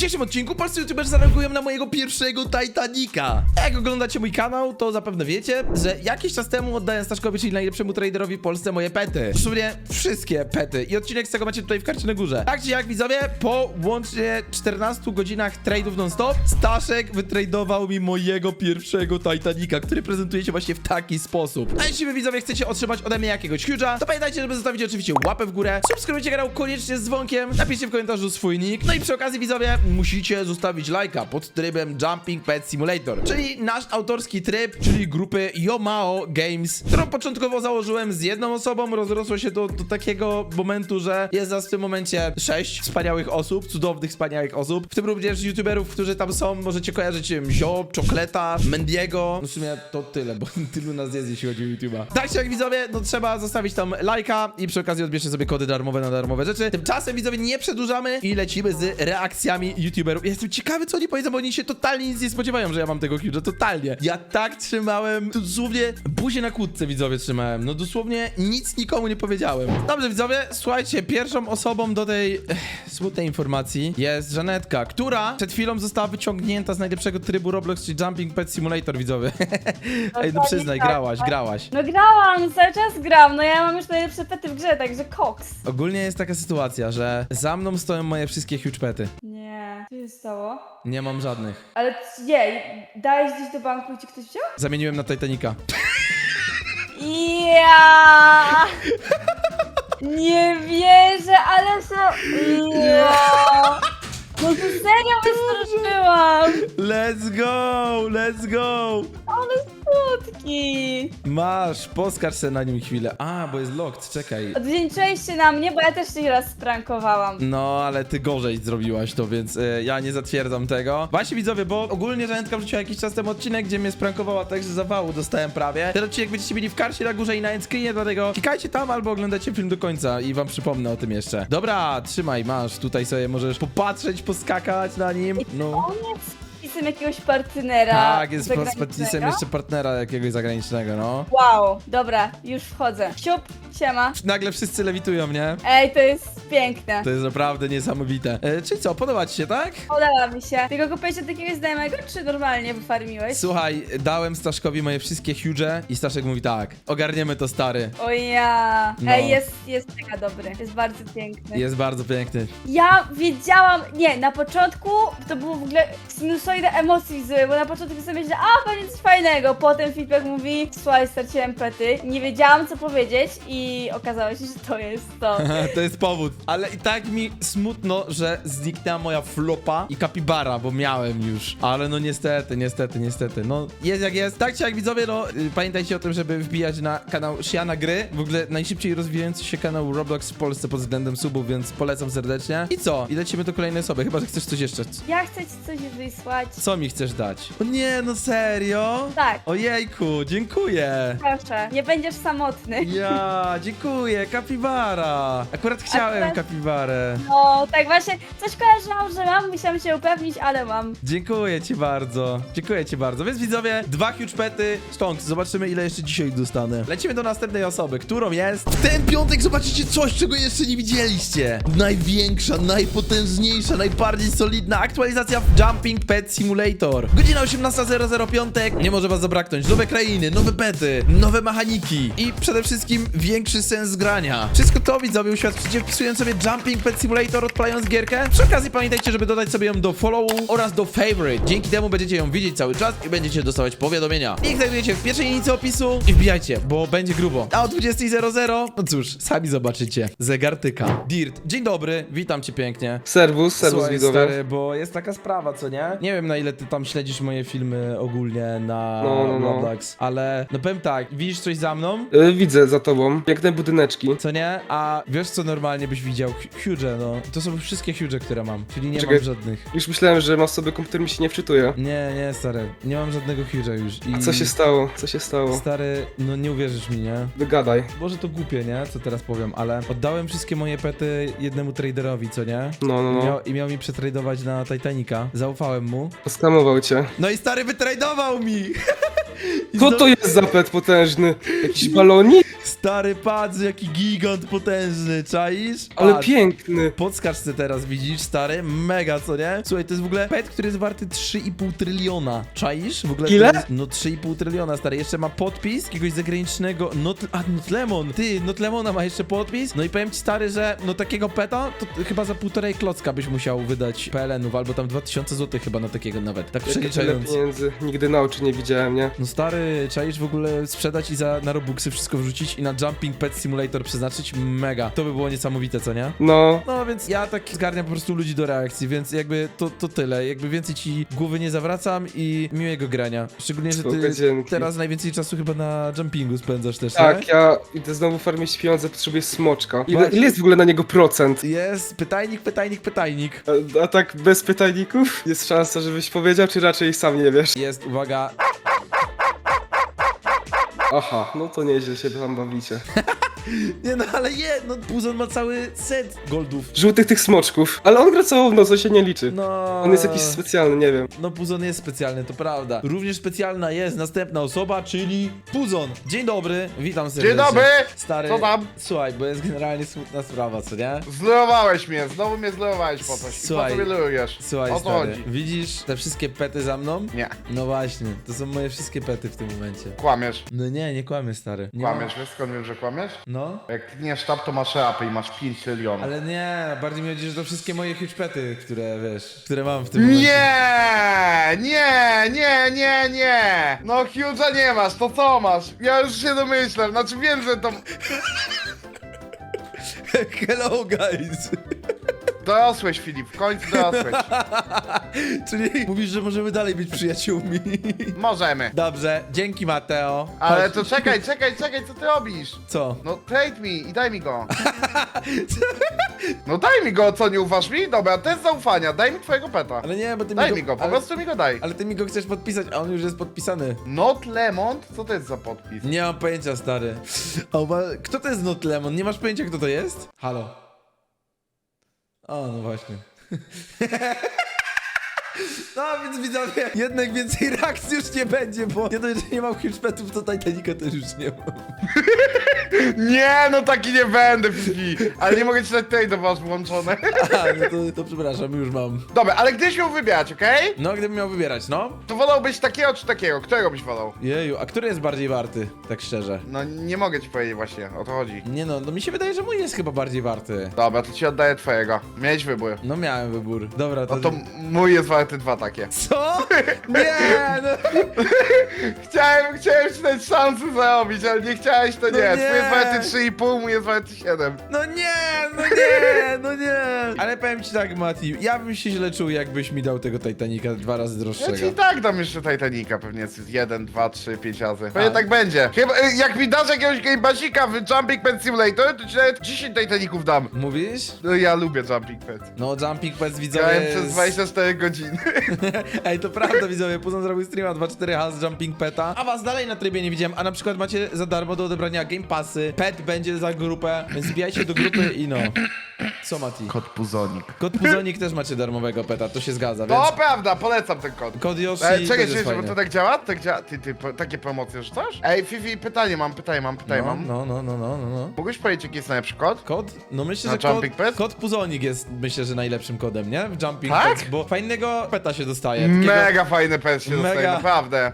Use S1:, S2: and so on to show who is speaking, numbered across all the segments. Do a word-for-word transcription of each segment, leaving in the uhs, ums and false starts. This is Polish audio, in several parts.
S1: dzisiejszym odcinku polscy youtuberzy zareagują na mojego pierwszego Titanica. Jak oglądacie mój kanał, to zapewne wiecie, że jakiś czas temu oddałem Staszkowi, czyli najlepszemu traderowi w Polsce, moje pety. W sumie wszystkie pety. I odcinek z tego macie tutaj w karcie na górze. Tak czy jak, widzowie, po łącznie czternastu godzinach trade'ów non-stop, Staszek wytradował mi mojego pierwszego Titanica, który prezentuje się właśnie w taki sposób. A jeśli wy, widzowie, chcecie otrzymać ode mnie jakiegoś huge'a, to pamiętajcie, żeby zostawić oczywiście łapę w górę, subskrybujcie kanał koniecznie z dzwonkiem, napiszcie w komentarzu swój nick, no i przy okazji, widzowie, musicie zostawić lajka pod trybem Jumping Pet Simulator, czyli nasz autorski tryb, czyli grupy Yomao Games, którą początkowo założyłem z jedną osobą, rozrosło się do, do takiego momentu, że jest nas w tym momencie sześć wspaniałych osób, cudownych, wspaniałych osób, w tym również youtuberów, którzy tam są, możecie kojarzyć im Zio, Czokleta, Mendiego, no w sumie to tyle, bo tylu nas jest, jeśli chodzi o YouTube'a. Tak czy jak, widzowie, no trzeba zostawić tam lajka i przy okazji odbierzcie sobie kody darmowe na darmowe rzeczy. Tymczasem, widzowie, nie przedłużamy i lecimy z reakcjami youtuberów. Ja jestem ciekawy, co oni powiedzą, bo oni się totalnie nic nie spodziewają, że ja mam tego huge'a, totalnie. Ja tak trzymałem, dosłownie buzię na kłódce, widzowie, trzymałem. No dosłownie nic nikomu nie powiedziałem. Dobrze, widzowie, słuchajcie, pierwszą osobą do tej ech, smutnej informacji jest Żanetka, która przed chwilą została wyciągnięta z najlepszego trybu Roblox, czyli Jumping Pet Simulator, widzowie. Ej, no przyznaj,
S2: tak,
S1: grałaś,
S2: tak.
S1: grałaś.
S2: No grałam, cały czas gram, no ja mam już najlepsze pety w grze, także koks.
S1: Ogólnie jest taka sytuacja, że za mną stoją moje wszystkie huge pety.
S2: Nie, co się stało?
S1: Nie mam żadnych.
S2: Ale nie, dałeś gdzieś do banku i ci ktoś wziął?
S1: Zamieniłem na Titanica.
S2: Ja! Nie wierzę, ale się... Ja! No to serio wystraszyłam!
S1: Let's go, let's go.
S2: Ale słodki!
S1: Masz, poskarż se na nim chwilę. A, bo jest locked, czekaj.
S2: Odwdzięczyłeś się na mnie, bo ja też cię raz sprankowałam.
S1: No, ale ty gorzej zrobiłaś to, więc y, ja nie zatwierdzam tego. Właśnie, widzowie, bo ogólnie Żanetka wrzuciła jakiś czas temu odcinek, gdzie mnie sprankowała tak, że zawału dostałem prawie. Ten odcinek będziecie mieli w karcie na górze i na endscreenie, dlatego klikajcie tam albo oglądajcie film do końca i wam przypomnę o tym jeszcze. Dobra, trzymaj, masz, tutaj sobie możesz popatrzeć, poskakać na nim. No.
S2: On jest pisem jakiegoś partnera.
S1: Tak, jest z
S2: zagranicznego.
S1: podpisem jeszcze partnera jakiegoś zagranicznego, no.
S2: Wow, dobra, już wchodzę. Siup, siema.
S1: Nagle wszyscy lewitują, nie?
S2: Ej, to jest piękne.
S1: To jest naprawdę niesamowite. E, czyli co, podoba ci się, tak?
S2: Podoba mi się. Tylko kupiłeś od jakiegoś znajomego, czy normalnie wyfarmiłeś?
S1: Słuchaj, dałem Staszkowi moje wszystkie huge i Staszek mówi tak, ogarniemy to, stary.
S2: O ja.
S1: No.
S2: Ej, jest, jest mega dobry. Jest bardzo piękny.
S1: Jest bardzo piękny.
S2: Ja wiedziałam, nie, na początku to było w ogóle sinusoida emocji zły, bo na początku sobie myślałam, a będzie coś fajnego, potem feedback mówi, słuchaj, straciłem pety, nie wiedziałam co powiedzieć i okazało się, że to jest to.
S1: To jest powód. Ale i tak mi smutno, że zniknęła moja flopa i kapibara, bo miałem już. Ale no niestety, niestety, niestety. No jest jak jest. Tak czy jak, widzowie, no y, pamiętajcie o tym, żeby wbijać na kanał Shiana Gry. W ogóle najszybciej rozwijający się kanał Roblox w Polsce pod względem subów, więc polecam serdecznie. I co? I lecimy do kolejnej osoby, chyba że chcesz coś jeszcze.
S2: Ja chcę ci coś wysłać.
S1: Co mi chcesz dać? O nie, no serio?
S2: Tak,
S1: Ojejku, dziękuję.
S2: proszę, nie będziesz samotny.
S1: Ja, dziękuję, kapibara. Akurat chciałem
S2: Akurat-
S1: kapibarę.
S2: No, tak właśnie, coś kojarzyłam, że mam, musiałam się upewnić, ale mam.
S1: Dziękuję ci bardzo. Dziękuję ci bardzo. Więc, widzowie, dwa huge pety. Stonks, zobaczymy, ile jeszcze dzisiaj dostanę. Lecimy do następnej osoby, którą jest... W ten piątek zobaczycie coś, czego jeszcze nie widzieliście. Największa, najpotężniejsza, najbardziej solidna aktualizacja w Jumping Pet Simulator. Godzina osiemnasta zero zero piątek. Nie może was zabraknąć. Nowe krainy, nowe pety, nowe mechaniki i przede wszystkim większy sens grania. Wszystko to, widzowie, uświadczycie wpisując sobie Jumping Pet Simulator, odpalając gierkę. Przy okazji pamiętajcie, żeby dodać sobie ją do follow oraz do favorite. Dzięki temu będziecie ją widzieć cały czas i będziecie dostawać powiadomienia. Link znajdujecie w pierwszej linijce opisu i wbijajcie, bo będzie grubo. A o dwudziestej zero zero, no cóż, sami zobaczycie. Zegartyka. Dirt, dzień dobry, witam cię pięknie.
S3: Serwus, serwus
S1: Słuchaj,
S3: widzowie.
S1: stary, bo jest taka sprawa, co nie? Nie wiem, na ile ty tam śledzisz moje filmy ogólnie na
S3: No, no, no.
S1: Roblox, ale no powiem tak, widzisz coś za mną?
S3: Y, widzę za tobą. Piękne budyneczki.
S1: Co nie? A wiesz, co normalnie byś widział? Huge, no. To są wszystkie huge, które mam, czyli nie
S3: Czekaj.
S1: mam żadnych.
S3: Już myślałem, że masz sobie komputer, mi się nie wczytuje.
S1: Nie, nie, stary, nie mam żadnego huge'a już. I...
S3: A co się stało? Co się stało?
S1: Stary, no nie uwierzysz mi, nie?
S3: Wygadaj.
S1: Może to głupie, nie? Co teraz powiem, ale oddałem wszystkie moje pety jednemu traderowi, co nie?
S3: No, no,
S1: I
S3: no.
S1: miał, I miał mi przetradować na Titanica. Zaufałem mu.
S3: Skamował cię.
S1: No i stary wytradował mi! I
S3: Co
S1: znowu-
S3: to jest za pet potężny? Jakiś balonik?
S1: Stary, patrz, jaki gigant potężny, czaisz?
S3: Ale
S1: Patrz.
S3: piękny.
S1: Podskacz se teraz, widzisz, stary? Mega, co nie? Słuchaj, to jest w ogóle pet, który jest warty trzy i pół tryliona. Czaisz? W ogóle to
S3: Ile?
S1: Jest, no trzy i pół tryliona, stary. Jeszcze ma podpis jakiegoś zagranicznego... Not, a, Notlemon. Ty, Notlemona ma jeszcze podpis. No i powiem ci, stary, że no takiego peta to chyba za półtorej klocka byś musiał wydać P L N-ów, albo tam dwa tysiące złotych chyba na takiego nawet. Tak
S3: Tyle
S1: przeliczając.
S3: pieniędzy. Nigdy na oczy nie widziałem, nie?
S1: No stary, czaisz w ogóle sprzedać i za, na Robuxy wszystko wrzucić i na Jumping Pet Simulator przeznaczyć? Mega. To by było niesamowite, co nie?
S3: No.
S1: No więc ja tak zgarniam po prostu ludzi do reakcji, więc jakby to, to tyle. Jakby więcej ci głowy nie zawracam i miłego grania. Szczególnie, że
S3: Spoko,
S1: ty
S3: dzięki.
S1: teraz najwięcej czasu chyba na jumpingu spędzasz też,
S3: Tak,
S1: nie?
S3: ja idę znowu farmić pieniądze, potrzebuję smoczka. Ile,
S1: Właśnie.
S3: ile jest w ogóle na niego procent?
S1: Jest pytajnik, pytajnik, pytajnik.
S3: A, a tak bez pytajników? Jest szansa, żebyś powiedział, czy raczej sam nie wiesz?
S1: Jest, uwaga,
S3: Aha, no to nieźle się tam bawicie.
S1: nie no ale je, no Puzon ma cały set goldów.
S3: Żółtych tych smoczków. Ale on gra całą noc, to się nie liczy.
S1: No...
S3: On jest jakiś specjalny, nie wiem.
S1: No Puzon jest specjalny, to prawda. Również specjalna jest następna osoba, czyli Puzon. Dzień dobry, witam serdecznie.
S4: Dzień dobry!
S1: Stary,
S4: Co tam?
S1: słuchaj, bo jest generalnie smutna sprawa, co nie?
S4: Zlewałeś mnie, znowu mnie zlewałeś po coś.
S1: Słuchaj,
S4: Po co mnie lujesz?
S1: Słuchaj,
S4: O co
S1: stary,
S4: chodzi?
S1: widzisz te wszystkie pety za mną?
S4: Nie,
S1: No właśnie, to są moje wszystkie pety w tym momencie.
S4: kłamiesz.
S1: No nie, nie kłamię, stary. Nie
S4: Kłamiesz, wiesz skąd wiem, że kłamiesz?
S1: Mam... No?
S4: Jak tniesz tab, to masz rapy i masz pięć trylionów.
S1: Ale nie, bardziej mi chodzi, że to wszystkie moje huge pety, które, wiesz, które mam w tym momencie.
S4: Nie, nie, nie, nie, nie! No Huge'a nie masz, to co masz? Ja już się domyślam, znaczy wiem, że to...
S1: Hello, guys!
S4: Dorosłeś, Filip, w końcu dorosłeś.
S1: Czyli mówisz, że możemy dalej być przyjaciółmi.
S4: Możemy.
S1: Dobrze, dzięki Mateo.
S4: Ale
S1: Chodź.
S4: to czekaj, czekaj, czekaj, co ty robisz?
S1: Co?
S4: No trade mi i daj mi go. No daj mi go, co nie ufasz mi? Dobra, test zaufania, daj mi twojego peta.
S1: Ale nie, bo ty
S4: Daj
S1: mi
S4: mi go, po
S1: ale,
S4: prostu mi go daj.
S1: ale ty mi go chcesz podpisać, a on już jest podpisany.
S4: Not Lemont? Co to jest za podpis?
S1: Nie mam pojęcia, stary. A uwa- kto to jest Not Lemon? Nie masz pojęcia, kto to jest? Halo. O, no właśnie. No więc widzowie, jednak więcej reakcji już nie będzie, bo nie dość, że nie mam huge petów, to Titanica też już nie mam.
S4: Nie, no taki nie będę, Fifi. Ale nie mogę ci dać tej do was włączone.
S1: A, no to, to przepraszam, już mam.
S4: Dobra, ale gdzieś ją wybierać, okej?
S1: No, gdybym miał wybierać, no.
S4: To wolałbyś takiego czy takiego? Którego byś wolał?
S1: Jeju, a który jest bardziej warty, tak szczerze?
S4: No nie mogę ci powiedzieć właśnie, o to chodzi.
S1: Nie no, no mi się wydaje, że mój jest chyba bardziej warty.
S4: Dobra, to ci oddaję twojego. Miałeś wybór.
S1: No miałem wybór. Dobra, to...
S4: No to mój jest warty dwa takie.
S1: Co? Nie, no...
S4: Chciałem, chciałem ci dać szansę zarobić, ale nie chciałeś, to
S1: No
S4: nie.
S1: nie.
S4: Twój jest warty trzy i pół, mój jest warty siedem.
S1: No nie, no nie, no nie. Ale powiem ci tak, Mati, ja bym się źle czuł, jakbyś mi dał tego Titanica dwa razy
S4: Ja ci
S1: droższego.
S4: i tak dam jeszcze Titanica, pewnie z jeden, dwa, trzy, pięć razy. Pewnie
S1: A.
S4: tak będzie. Chyba, y, jak mi dasz jakiegoś gamebasika w Jumping Pet Simulator, to ci nawet dziesięć Titaniców dam.
S1: Mówisz?
S4: No ja lubię Jumping Pet.
S1: No, Jumping Pets widzowie
S4: Grałem
S1: jest...
S4: przez dwadzieścia cztery godziny.
S1: Ej, to prawda, widzowie, Puzon zrobił streama dwa cztery H z Jumping Peta, a was dalej na trybie nie widziałem, a na przykład macie za darmo do odebrania Game Passy, Pet będzie za grupę, więc wbijajcie do grupy i no. Co, Mati?
S4: Kod Puzonik.
S1: Kod Puzonik też macie darmowego peta, to się zgadza, więc...
S4: To prawda, polecam ten kod.
S1: Kod Yoshi
S4: E,
S1: też
S4: czekaj,
S1: jest
S4: czekaj, bo
S1: fajny.
S4: to tak działa? Tak działa? Ty, ty, po, takie promocje rzucasz? Ej, Fifi, pytanie mam, pytanie mam, pytanie
S1: No,
S4: mam.
S1: no, no, no, no, no, no.
S4: Mógłbyś powiedzieć, jaki jest najlepszy kod?
S1: Kod? No myślę,
S4: Na
S1: że kod,
S4: Jumping Pets?
S1: kod Puzonik jest, myślę, że najlepszym kodem, nie? W Jumping
S4: Tak?
S1: Pets, bo fajnego peta się dostaje. Takiego...
S4: Mega fajny pet się dostaje,
S1: Mega.
S4: naprawdę.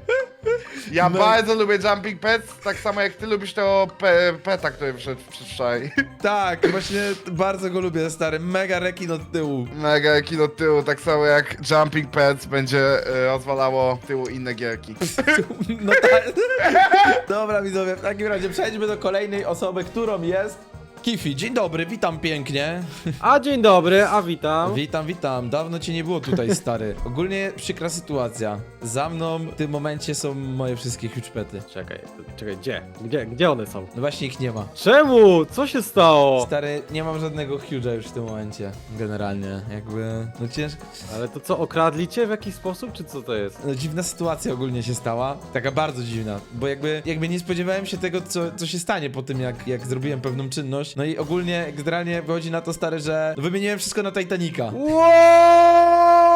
S4: Ja
S1: Me-
S4: bardzo lubię Jumping Pets, tak samo jak ty lubisz tego pe peta, który wszedł przedwczoraj.
S1: Tak, właśnie bardzo go lubię, stary. Mega rekin od tyłu.
S4: Mega kino tyłu, tak samo jak Jumping Pets będzie e, rozwalało tyłu inne gierki.
S1: No tak. Dobra, widzowie, w takim razie przejdźmy do kolejnej osoby, którą jest... Kifi, dzień dobry, witam pięknie.
S5: A dzień dobry, a witam.
S1: Witam, witam. Dawno cię nie było tutaj, stary. Ogólnie przykra sytuacja. Za mną w tym momencie są moje wszystkie huge pety.
S5: Czekaj, czekaj, gdzie? Gdzie, gdzie one są?
S1: No właśnie ich nie ma.
S5: Czemu? Co się stało?
S1: Stary, nie mam żadnego huge'a już w tym momencie. Generalnie, jakby... No ciężko...
S5: Ale to co, okradli cię w jakiś sposób, czy co to jest?
S1: No, dziwna sytuacja ogólnie się stała. Taka bardzo dziwna. Bo jakby, jakby nie spodziewałem się tego, co, co się stanie po tym, jak, jak zrobiłem pewną czynność. No i ogólnie, generalnie wychodzi na to, stary, że wymieniłem wszystko na Titanica.
S5: Wow!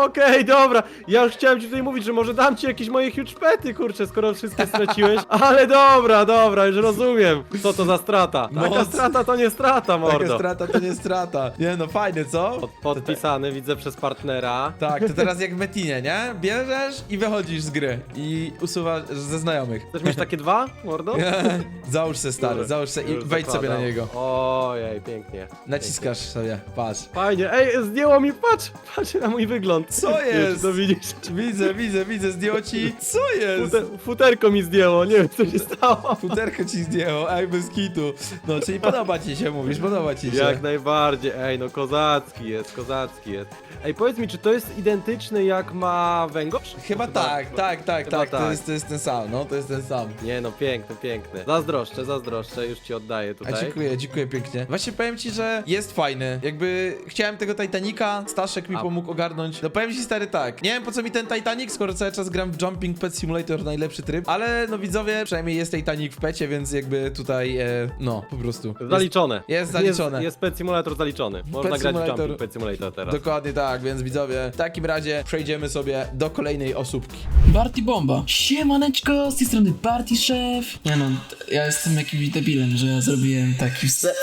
S5: okej, dobra. Ja już chciałem ci tutaj mówić, że może dam ci jakieś moje huge pety, kurczę, skoro wszystkie straciłeś. Ale dobra, dobra, już rozumiem. Co to za strata? Taka
S1: Moc.
S5: strata to nie strata,
S1: Taka
S5: mordo.
S1: strata to nie strata. Nie no, fajnie, co?
S5: Pod, podpisany, widzę, przez partnera.
S1: Tak, to teraz jak w Metinie, nie? Bierzesz i wychodzisz z gry. I usuwasz ze znajomych.
S5: Chcesz mieć takie dwa, mordo?
S1: Załóż se, stary,
S5: Już-
S1: załóż se i
S5: już
S1: wejdź sobie na
S5: zakładam.
S1: niego.
S5: Ojej, pięknie.
S1: Naciskasz sobie, patrz.
S5: Fajnie, ej, zdjęło mi, patrz, patrz na mój wygląd.
S1: Co
S5: Nie wiem,
S1: jest?
S5: czy to widzisz?
S1: Widzę, widzę, widzę, zdjęło ci. Co jest?
S5: Fute, futerko mi zdjęło, nie wiem, co się stało.
S1: Futerko ci zdjęło, ej, bez kitu. No, czyli podoba ci się, mówisz, podoba ci się.
S5: Jak najbardziej, ej, no kozacki jest, kozacki jest. Ej, powiedz mi, czy to jest identyczny jak ma węgorz?
S1: Chyba tak, tak, tak,
S5: Chyba
S1: tak, to
S5: tak.
S1: jest, to jest ten sam, no, to jest ten sam.
S5: Nie no, piękny, piękny. Zazdroszczę, zazdroszczę, już ci oddaję
S1: A
S5: tutaj.
S1: dziękuję, dziękuję pięknie. Właśnie powiem ci, że jest fajny. Jakby chciałem tego Titanica, Staszek mi
S5: A.
S1: pomógł ogarnąć. No powiem ci, stary, tak. Nie wiem po co mi ten Titanic, skoro cały czas gram w Jumping Pet Simulator, najlepszy tryb. Ale no widzowie, przynajmniej jest Titanic w pecie, więc jakby tutaj, e, no, po prostu. Jest-
S5: Zaliczone.
S1: Jest zaliczone.
S5: Jest, jest Pet Simulator zaliczony. Można
S1: Pet
S5: grać w
S1: Simulator-
S5: Jumping Pet Simulator teraz.
S1: Dokładnie tak, więc widzowie, w takim razie przejdziemy sobie do kolejnej osóbki.
S6: Party Bomba. Siemaneczko, z tej strony Party Chef. Nie no, t- ja jestem jakimś debilem, że ja zrobiłem taki wstęp.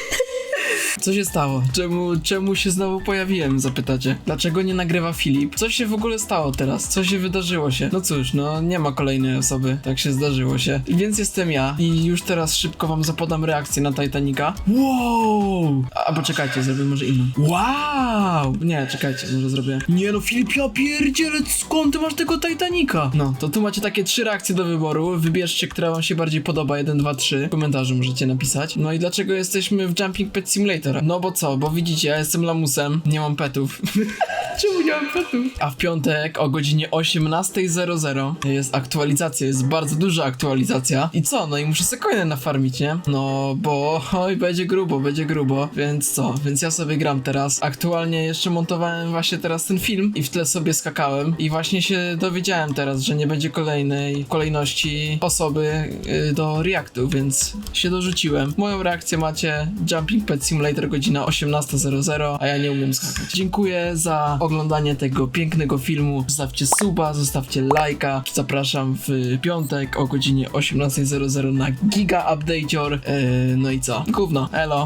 S6: Co się stało? Czemu, czemu się znowu pojawiłem, zapytacie? Dlaczego nie nagrywa Filip? Co się w ogóle stało teraz? Co się wydarzyło się? No cóż, no nie ma kolejnej osoby, tak się zdarzyło się. I więc jestem ja i już teraz szybko wam zapodam reakcję na Titanica. Wow! A, a poczekajcie, zrobię może inną. Wow! Nie, czekajcie, może zrobię. Nie no, Filip, ja pierdzielę, skąd ty masz tego Titanica? No, to tu macie takie trzy reakcje do wyboru. Wybierzcie, która wam się bardziej podoba. jeden, dwa, trzy. W komentarzu możecie napisać. No i dlaczego jesteśmy w Jumping Pet Simulator? No bo co, bo widzicie, ja jestem lamusem, nie mam petów. Czemu nie mam petów? A w piątek o godzinie osiemnasta zero zero jest aktualizacja, jest bardzo duża aktualizacja. I co? No i muszę sobie coiny nafarmić, nie? No bo oj, będzie grubo, będzie grubo. Więc co? Więc ja sobie gram teraz. Aktualnie jeszcze montowałem właśnie teraz ten film i w tle sobie skakałem. I właśnie się dowiedziałem teraz, że nie będzie kolejnej kolejności osoby y, do reactu, więc się dorzuciłem. Moją reakcję macie Jumping Pet Simulator godzina osiemnasta zero zero, a ja nie umiem skakać. Dziękuję za oglądanie tego pięknego filmu. Zostawcie suba, zostawcie lajka. Zapraszam w piątek o godzinie osiemnasta zero zero na Giga Update'or. Yy, no i co? Gówno, elo.